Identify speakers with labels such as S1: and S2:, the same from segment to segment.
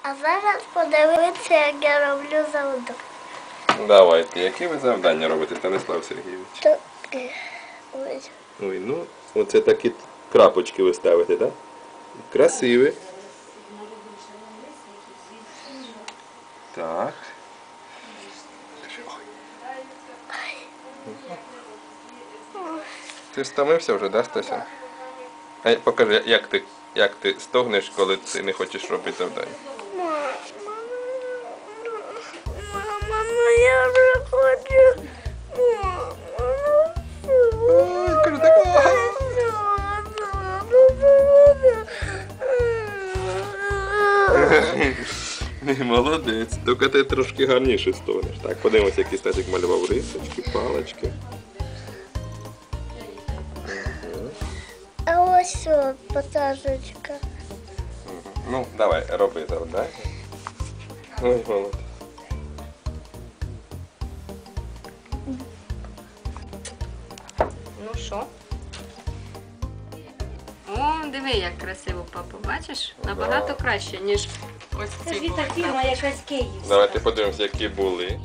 S1: А зараз подивитися, як я роблю завдання.
S2: Давайте, які ви завдання робите, Станислав Сергійович?
S1: Так, ось.
S2: Ой, ну, оце такі крапочки ви ставите, так? Красиві. Так. Ти стомився вже, да, Стася? А покажи, як ти стогнеш, коли ти не хочеш робити завдання.
S1: Мама, ну я вже хочу.
S2: Ой, кажу, так. Молодець. Тільки ти трошки гарніше стогнеш. Так, подивимося, який Стасик малював рисочки, палички.
S1: А ось потажечка.
S2: Ну, давай, роби завдання. Ой, молодець.
S3: Ну що? О, диви, як красиво, папа, бачиш? Набагато краще, ніж ось ці.
S4: Це ж та фірма якась київська.
S2: Давайте подивимося, які були.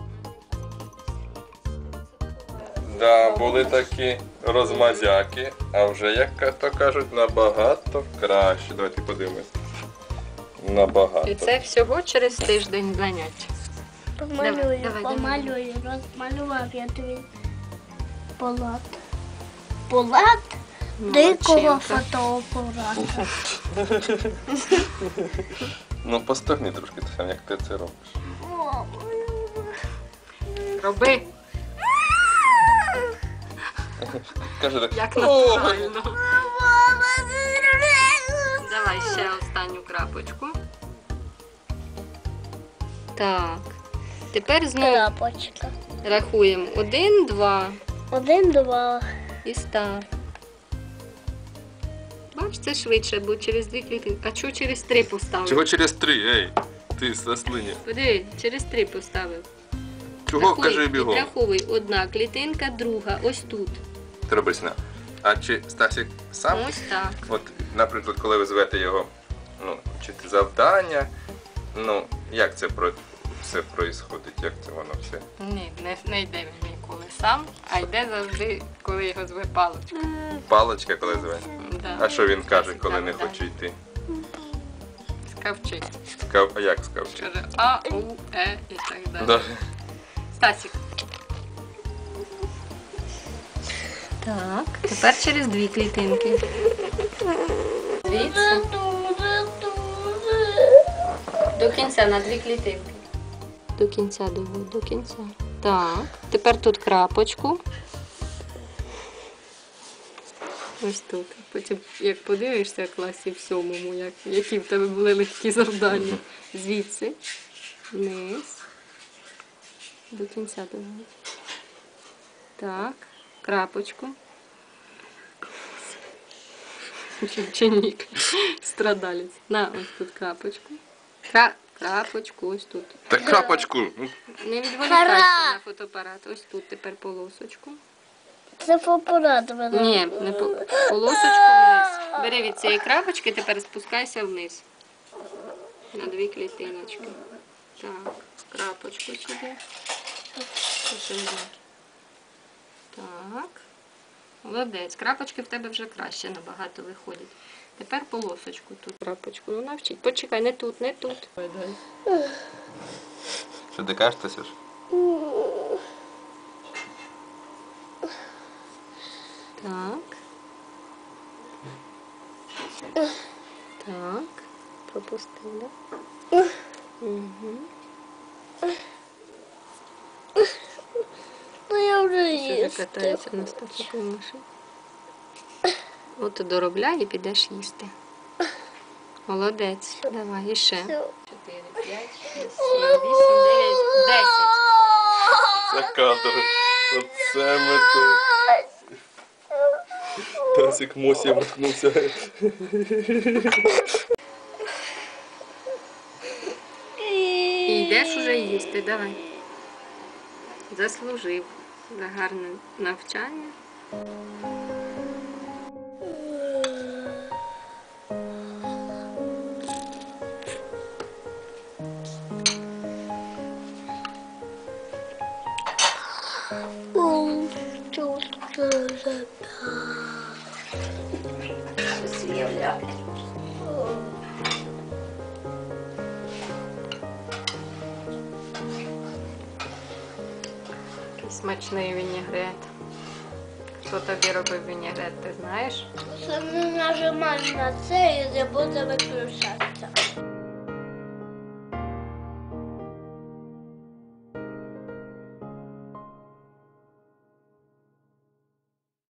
S2: Да, були такі розмазяки, а вже, як то кажуть, набагато краще. Давайте подивимось. Набагато.
S3: І це всього через тиждень занять.
S1: Помалюю,
S3: Давай,
S1: помалюю. Розмалював я тобі полат. Полат дикого
S3: Молодчинка.
S1: фотоапарата.
S2: Ну, постогни трошки, Тетяна, як ти це робиш.
S3: Роби,
S2: Каже так.
S3: як натурально. Давай ще останню крапочку. Так. Тепер знову
S1: Крапочка.
S3: рахуємо 1, 2
S1: 1, 2.
S3: і став. Бач, це швидше, бо через 2 клітинки. А чого через 3 поставив?
S2: Чого через 3, ей? Ти сослиня.
S3: Подиви, через 3 поставив.
S2: Чого,
S3: Рахуй,
S2: кажи бігом?
S3: Підраховуй. Одна клітинка, друга, ось тут.
S2: Требесна. А чи Стасик сам?
S3: Ось так.
S2: От, наприклад, коли ви звете його, ну, вчити завдання, ну, як це все происходить, як це воно все?
S3: Ні, не йде він ніколи сам, а йде завжди, коли його зве паличка.
S2: Паличка, коли зве?
S3: Да.
S2: А що він каже, коли не
S3: Да.
S2: хоче йти?
S3: Скавчить.
S2: А як скавчить?
S3: Каже А, У, Е і так далі.
S2: Да.
S3: Стасік. Так, тепер через 2 клітинки. Звідси. До кінця на 2 клітинки. До кінця, до кінця. Так, тепер тут крапочку. Ось тут. Потім, як подивишся в класі в 7-му, які в тебе були легкі завдання. Звідси, вниз, до кінця доводить. Так, крапочку. Ученик, страдалець. На, ось тут крапочку. Крапочку, ось тут.
S2: Так крапочку.
S3: Не відволікайся на фотоапарат. Ось тут тепер полосочку.
S1: Це фотоапарат мене.
S3: Ні, не полосочку вниз. Бери від цієї крапочки, тепер спускайся вниз. На 2 клітиночки. Так, крапочку сюди. Так. Молодець. Крапочки в тебе вже краще набагато виходять. Тепер полосочку тут. Крапочку. Ну навчіть. Почекай, не тут, не тут.
S2: Що ти кажеш, Тасюш?
S3: Так. Так. Пропустив, да? Угу.
S1: Ну я вже
S3: Вже
S1: їсти.
S3: катається на стафетній машині. От доробляй і підеш їсти. Молодець. Давай, іще. 4, 5, 6, 7, 8, 9, 10.
S2: Це кадр. Оце ми тут. Тасик Мосі вмикнувся.
S3: І йдеш уже їсти, давай. Заслужив за гарне навчання.
S1: Тут
S4: Щось уявляє.
S3: Який смачний вінігрет. Хто тобі робив вінігрет, ти знаєш?
S1: Це не нажимаєш на це і не буде виключатися.